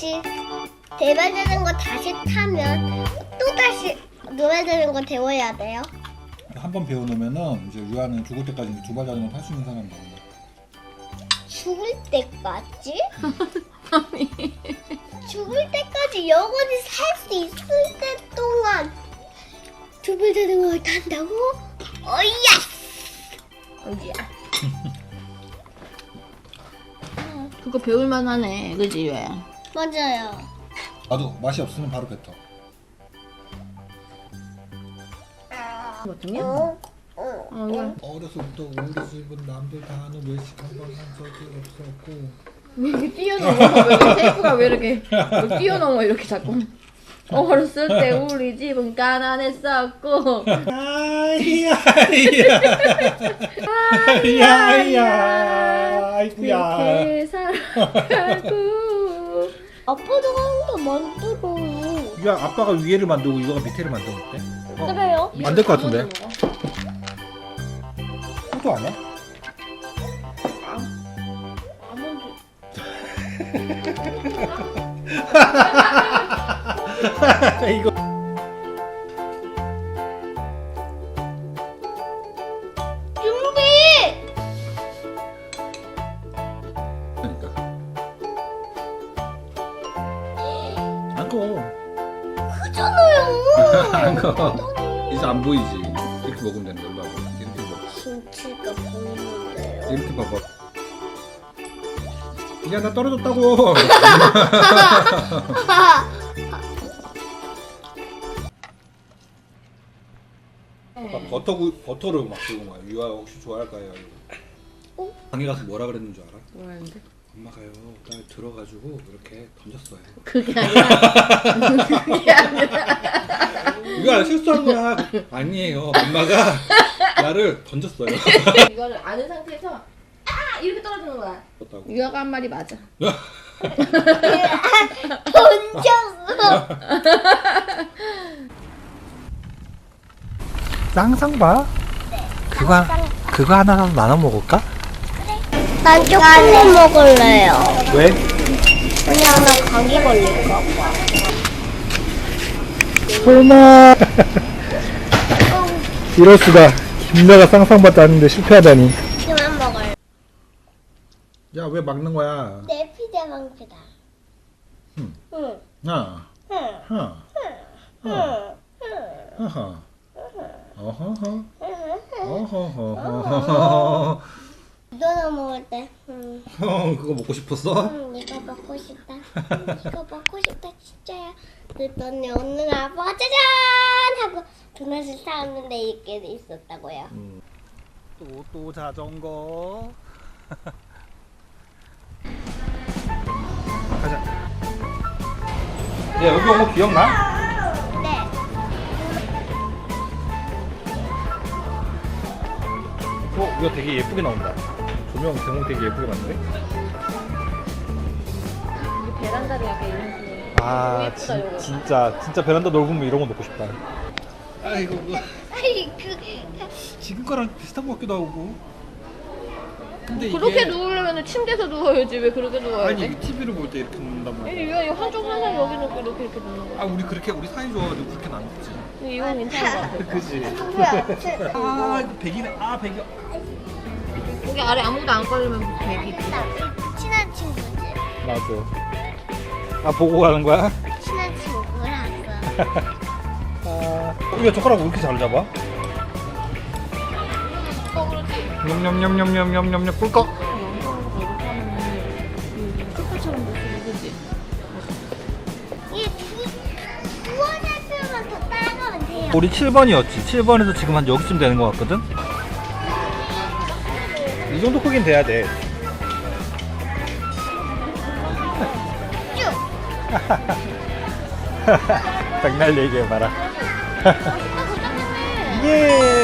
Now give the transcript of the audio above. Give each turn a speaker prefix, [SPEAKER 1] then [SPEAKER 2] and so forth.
[SPEAKER 1] 다시 대변되는 거 다시 타면 또 다시 노래 되는 거 배워야 돼요.
[SPEAKER 2] 한 번 배워놓으면은 이제 유아는 죽을 때까지 두 발 자전거 탈 수 있는 사람이 되는 거야.
[SPEAKER 1] 죽을 때까지? 죽을 때까지 영원히 살 수 있을 때 동안 두 발 자전거를 탄다고? 어이야!
[SPEAKER 3] 어디야? 그거 배울만 하네, 그지 왜?
[SPEAKER 1] 맞아요.
[SPEAKER 2] 나도 맛이 없으면 바로 뱉어.
[SPEAKER 3] 거든요?
[SPEAKER 1] 응.
[SPEAKER 2] 어려서부터 우리 집은 남들 다 아는 외식 한 번 한 적이 없었고.
[SPEAKER 3] 왜 이렇게 뛰어넘어? 왜 테이프가 왜 이렇게 왜 뛰어넘어 이렇게 자꾸? 어렸을 때 우리 집은 가난했었고
[SPEAKER 2] 아이야 아이구야.
[SPEAKER 3] 이렇게 살아가고.
[SPEAKER 1] 아빠도 하는 거 만들어.
[SPEAKER 2] 유아 아빠가 위에를 만들고 이거가 밑에를 만드는 어때?
[SPEAKER 1] 그래요?
[SPEAKER 2] 안 될 것 같은데? 포도 아니야?
[SPEAKER 3] 아몬드.
[SPEAKER 2] 이거
[SPEAKER 1] 준비!
[SPEAKER 2] 그러니까 안고
[SPEAKER 1] 크잖아요.
[SPEAKER 2] 안고 이제 안 보이지. 이렇게 먹으면 되는 걸로 하고 이렇게 먹어.
[SPEAKER 1] 김치가 보이는데요.
[SPEAKER 2] 이렇게 봐봐. 야 나 떨어졌다고. 버터를 막 들고 막 유아 혹시 좋아할까요?
[SPEAKER 1] 어?
[SPEAKER 2] 방에 가서 뭐라 그랬는 줄 알아?
[SPEAKER 3] 뭐라는데?
[SPEAKER 2] 엄마가요 날 들어가지고 이렇게 던졌어요.
[SPEAKER 3] 그게 아니라 그게 아니라
[SPEAKER 2] 유아 실수한 거야. 아니에요. 엄마가 나를 던졌어요.
[SPEAKER 3] 이거를 아는 상태에서 아 이렇게 떨어지는 거야.
[SPEAKER 2] 던졌다고.
[SPEAKER 3] 유아가 한 말이 맞아.
[SPEAKER 1] 던졌어.
[SPEAKER 4] 쌍쌍바? 그거 하나 사서 나눠 먹을까?
[SPEAKER 1] 난 초콜릿 먹을래요.
[SPEAKER 4] 왜?
[SPEAKER 1] 그냥 나 감기 걸릴까 봐.
[SPEAKER 4] 설마 이럴 수가. 김나가 쌍쌍바 따는데 실패하다니.
[SPEAKER 1] 그만 먹을래.
[SPEAKER 2] 야 왜 막는 거야?
[SPEAKER 1] 내 피자 방피다.
[SPEAKER 2] 응.
[SPEAKER 1] 응.
[SPEAKER 2] 하나
[SPEAKER 1] 응.
[SPEAKER 2] 하나
[SPEAKER 1] 응.
[SPEAKER 2] 하하 어허허
[SPEAKER 1] 응.
[SPEAKER 2] 어허허허.
[SPEAKER 1] 너나 먹을 때. 응.
[SPEAKER 2] 그거 먹고 싶었어?
[SPEAKER 1] 응, 이거 먹고 싶다. 이거 먹고 싶다, 진짜야. 그랬더니 오늘 아빠가 짜잔! 하고 도넛을 사왔는데 이게 있었다고요.
[SPEAKER 4] 또 자전거. 가자. 야 여기 온 거 기억나?
[SPEAKER 1] 네.
[SPEAKER 4] 이거 되게 예쁘게 나온다. 조명 대문 되게 예쁘게 봤는데?
[SPEAKER 3] 이게 베란다를 약간 이런 거.
[SPEAKER 4] 아
[SPEAKER 3] 예쁘다, 이거.
[SPEAKER 4] 진짜 베란다 넓으면 이런 거 놓고 싶다.
[SPEAKER 2] 아이고
[SPEAKER 1] 아이
[SPEAKER 2] 지금 거랑 비슷한 것 같기도 하고. 근데
[SPEAKER 3] 그렇게 누우려면 침대에서 누워야지. 왜 그렇게 누워야
[SPEAKER 2] 아니
[SPEAKER 3] 돼?
[SPEAKER 2] 이게 TV를 볼 때 이렇게 놓는단 말이야.
[SPEAKER 3] 이거 한쪽 항상 여기 놓고 이렇게 누는 거야.
[SPEAKER 2] 아 우리 사이 좋아가지고 그렇게는 안 먹지.
[SPEAKER 3] 이건 괜찮은 거 같아.
[SPEAKER 2] 그지.
[SPEAKER 1] 누구야?
[SPEAKER 2] 아 이거 백이네. 아 백이.
[SPEAKER 3] 여기 아래 아무도 안 걸리면 되기.
[SPEAKER 1] 친한 친구지.
[SPEAKER 4] 맞아. 아 보고 가는 거야?
[SPEAKER 1] 친한 친구랑.
[SPEAKER 4] 야 젓가락 왜 이렇게 잘 잡아? 냠냠냠냠냠냠냠 꿀꺽.
[SPEAKER 3] 소파처럼 됐어, 그지?
[SPEAKER 1] 이 두원의 수만 더 따라가면 돼요.
[SPEAKER 4] 우리 7번이었지. 7번에서 지금 한 여기쯤 되는 것 같거든? 이 정도 크긴 돼야 돼.
[SPEAKER 1] 쭉.
[SPEAKER 4] 백날 얘기해봐라.
[SPEAKER 1] 아, 그렇다며.
[SPEAKER 4] 예!